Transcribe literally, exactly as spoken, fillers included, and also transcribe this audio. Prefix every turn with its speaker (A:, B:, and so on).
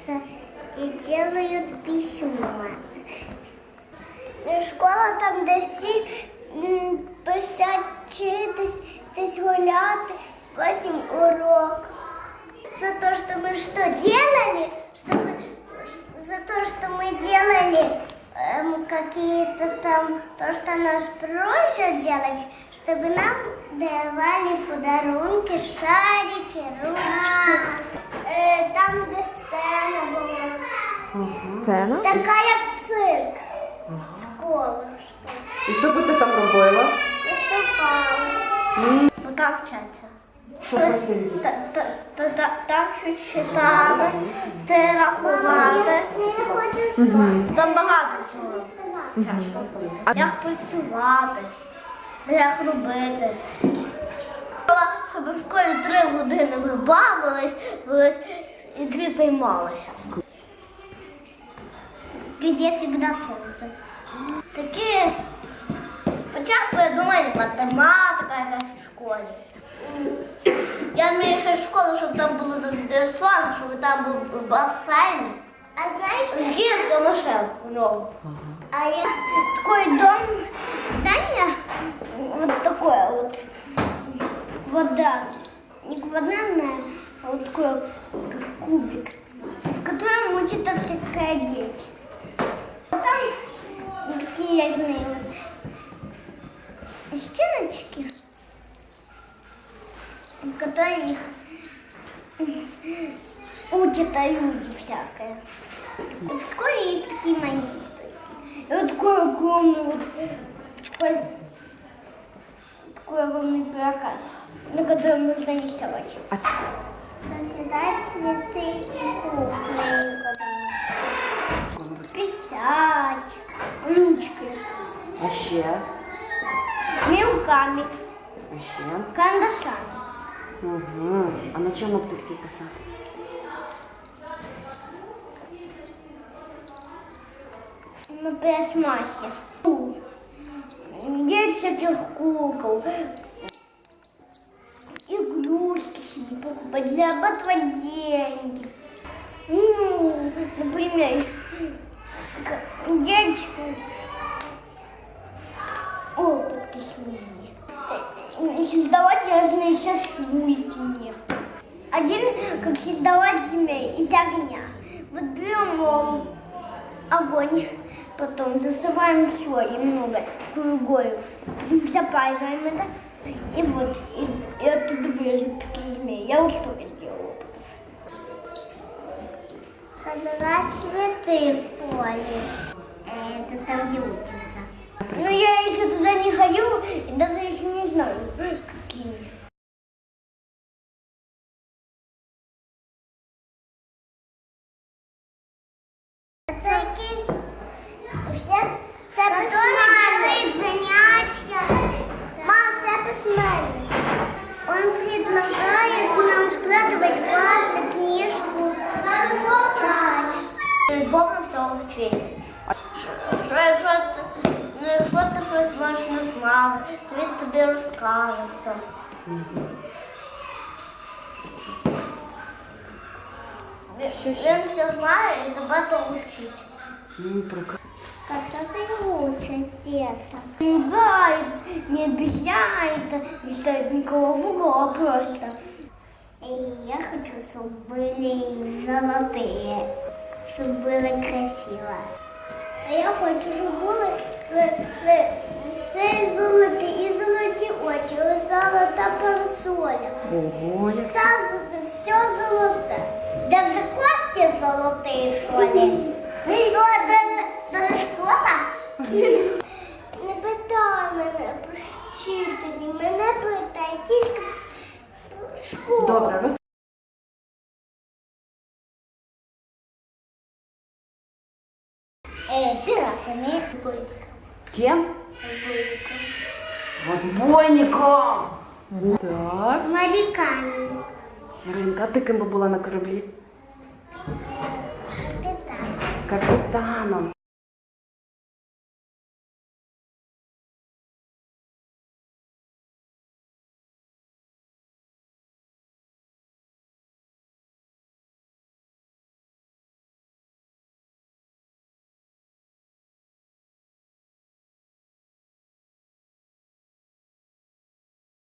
A: учатся и делают письма. Школа там, де всі писать, читись, десь гуляти, потім урок. За то, что мы что делали, что мы, за то, что мы делали эм, какие-то там, то, что нас просят делать, чтобы нам давали подарунки, шарики, ручки. Э, там, где сцена была.
B: Сцена?
A: Така, як цирк. Школа.
B: І що би ти там робила?
A: Виступала. Бо там вчаться.
B: Що просили?
A: Та- та- та- та- Там щось читати, те рахувати. Там багато чого. всякого робити. Як працювати, як робити. Щоб в школі три години ми бавились і дві займалися. Где всегда солнце. Такі, спочатку, я думаю, математика якась в школі. Я мрію ще в школу, щоб там було завжди сонце, щоб там був басейн. А знаєш, з гірками ще в нього. А я такой дом, здание, вот такое вот, вода, не квадратная, а вот такой как кубик, в котором учится всякая дети. Вот там такие, я знаю, вот стеночки, в которых учат люди всякое. В школе есть такие маленькие стойки. И вот такой огромный вот такой огромный прокат, на котором нужно рисовать. Собирать цветы и куклы. Писать ручкой.
B: А ще?
A: Мілками.
B: А ще?
A: Карандашами.
B: Угу. А на чому б ти хотів писати?
A: На пластмассе. Есть всяких кукол. Игрушки себе покупать, зарабатывать деньги. Ну, например, девочку. О, тут письменник. Создавать разные сосульки мне. Один, как создавать змей из огня. Вот берем огонь, потом засыпаем соль много, кругою, запаиваем это, и вот, и, и оттуда вылезут такие змеи. Я вот что сделала. Собирать цветы в поле. Это там, где учатся. Но я еще туда не ходила, и даже еще не знаю, какие. Все, це делает занятия. Мам, це письменник. Он предлагает нам складывать карты, книжку, читать. Добре всього вчити. Що якщо ти, ну, якщо ти щось можеш не знати, то він тобі розкаже все. Він все знає і тебе то вчить.
B: Ну, прикольно.
A: Который учит где-то. Помогает, не обещает, не ставит никого в угол, а просто. И я хочу, чтобы были золотые, чтобы было красиво. А я хочу, чтобы было все золотые, и золотые очи, и золотая парасоля.
B: Ого, як
A: Сразу все золотое. Даже кости золотые, что ли? Даже, даже школа? Не питай мене про вчителі, мене питай тільки про школу.
B: добре, роз...
A: Е, піратами.
B: З ким? Розбойником! Так.
A: Моряками.
B: Яринка, а ти ким би була на кораблі?
A: Капітан.
B: Капітаном.